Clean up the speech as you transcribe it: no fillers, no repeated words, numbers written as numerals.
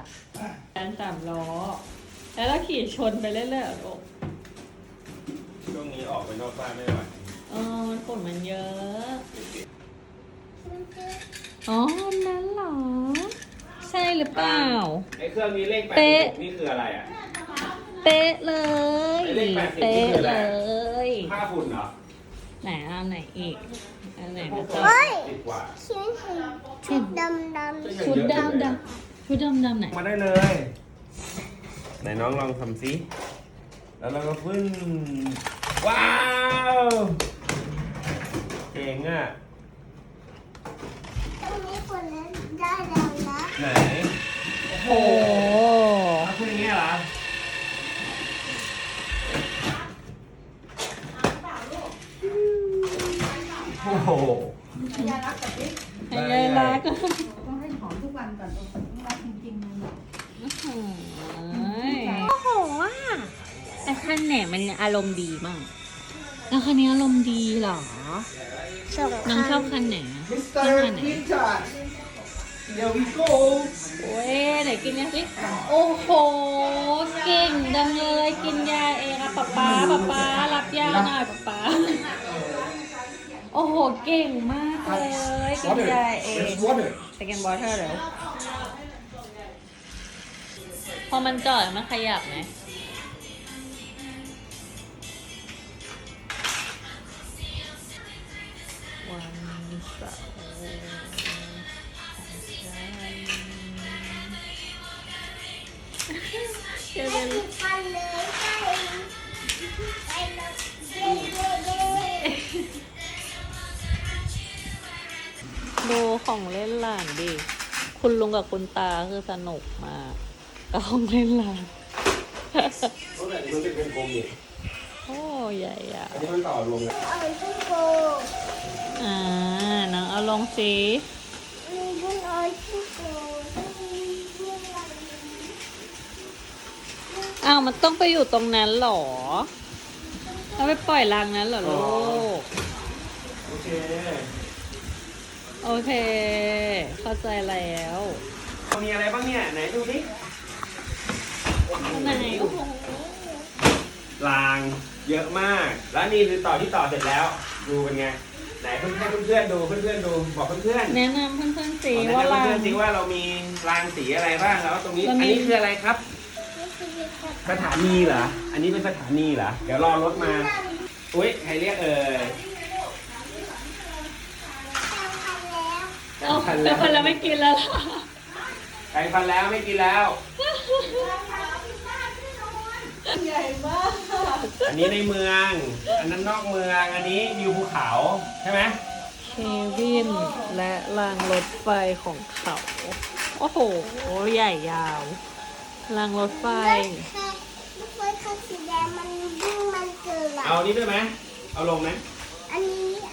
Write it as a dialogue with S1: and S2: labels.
S1: การ3 ล้อแล้วเราขี่ชนไปเรื่อยๆอ่ะลูก
S2: ช่วงนี้ออกไปนอกบ้านไม่ไหว
S1: มันฝุ่นมันเยอะ อ๋อนั่นเหรอ ใช่หรือเปล่า
S2: ไอ้เครื่องนี้เลข86นี่คืออะไรอ่ะ
S1: เป๊ะเลย
S2: เลข80
S1: เป๊ะ
S2: นี่คืออะไร
S1: เลย
S2: ค่าฝุ่นเหรอ
S1: ไหนเอาไหนอีกอันไหน
S2: พว
S1: นะ
S2: ก
S1: จ๊ะ
S2: ติดกว่า
S3: ชุดดำ
S1: ชุดดำชุดดำไหน
S2: มาได้เลย ไหนน้องลองทำซิแล้วเราก็พึ่งว้าวเก่งอ่ะ
S3: ตรงนี้คนนั้นได้แล้วนะ
S2: ไหน
S1: โอ้โห
S2: เอาพึ่งอย่างเงี้ยเหรอโอ้โห
S4: ยารักกับพี่
S1: ให้ยายรัก
S4: ต้องให้หอมทุกวันก่อนต้องรักจริงๆเลย
S1: โอ้โหว่ะแต่คันไหนมันอารมณ์ดีมากแล้วคันนี้อารมณ์ดีเหรอ น้องชอบคันไหนชอบคันไหน
S2: Here we go
S1: โอ้ยไหนกินเนี่ยสิ โอ้โห เก่งดังเลยกินยาเองอะป๊ารับยาหน่อยป๊าโอ้โห เก่งมากเลยกินยาเอง ไปกินวอเตอร์เดี๋ยวพอมันจอดมันขยับไหมวันเสาร์เดี๋ยว
S3: คันเลยไปเลยเย้
S1: ดูของเล่นหลานดิ คุณลุงกับคุณตาคือสนุกมากกับของเล่นหลาน
S2: รถไหนมันเป็นกลมๆนี่
S1: โอ้ใหญ่อะ
S2: อันนี้มันต่อรวมกัน
S3: เอาทุกโก
S1: น้องเอาลงสิ
S3: มีบุญเอาทุกโก
S1: อ้าวมันต้องไปอยู่ตรงนั้นเหรอเราไปปล่อยรังนั้นเหรอลูก
S2: โอเค
S1: โอเค เข้าใจแล้ว
S2: มีอะไรบ้างเนี่ย ไหนดูสิ
S1: ไหนโอ้โห
S2: รางเยอะมาก แล้วนี่คือต่อที่ต่อเสร็จแล้ว ดูเป็นไง ไหนเพื่อนๆดูเพื่อนๆดูบอกเพื่อนๆ
S1: แนะนำเพื่อนๆสิ
S2: แนะ
S1: ว่าน
S2: ำ
S1: รั
S2: เพื่อง นๆสิว่าเรามีรางสีอะไรบ้างแล้วตรงนี้ อันนี้คืออะไรครับ สถานีเหรอ อันนี้เป็นสถานีเหรอ เดี๋ยวรอรถมา อุ้ยใครเรียกเอ่ย
S1: เอาแล้วคนเราไม่กินแล้วล่ะ
S2: แปรงฟันแล้วไม่กินแล้ว
S4: ใหญ่มาก
S2: อันนี้ในเมือง อันนั้นนอกเมือง อันนี้วิวภูเขาใช่ไหม
S1: เควินและรางรถไฟของเขา โอ้โห ใหญ่ยาว รางรถไฟ
S3: ลูกไฟคันสีแดงมันวิ่งมันเกิด
S2: เอานี้ด้วยไหม เอาลงไหม
S3: เ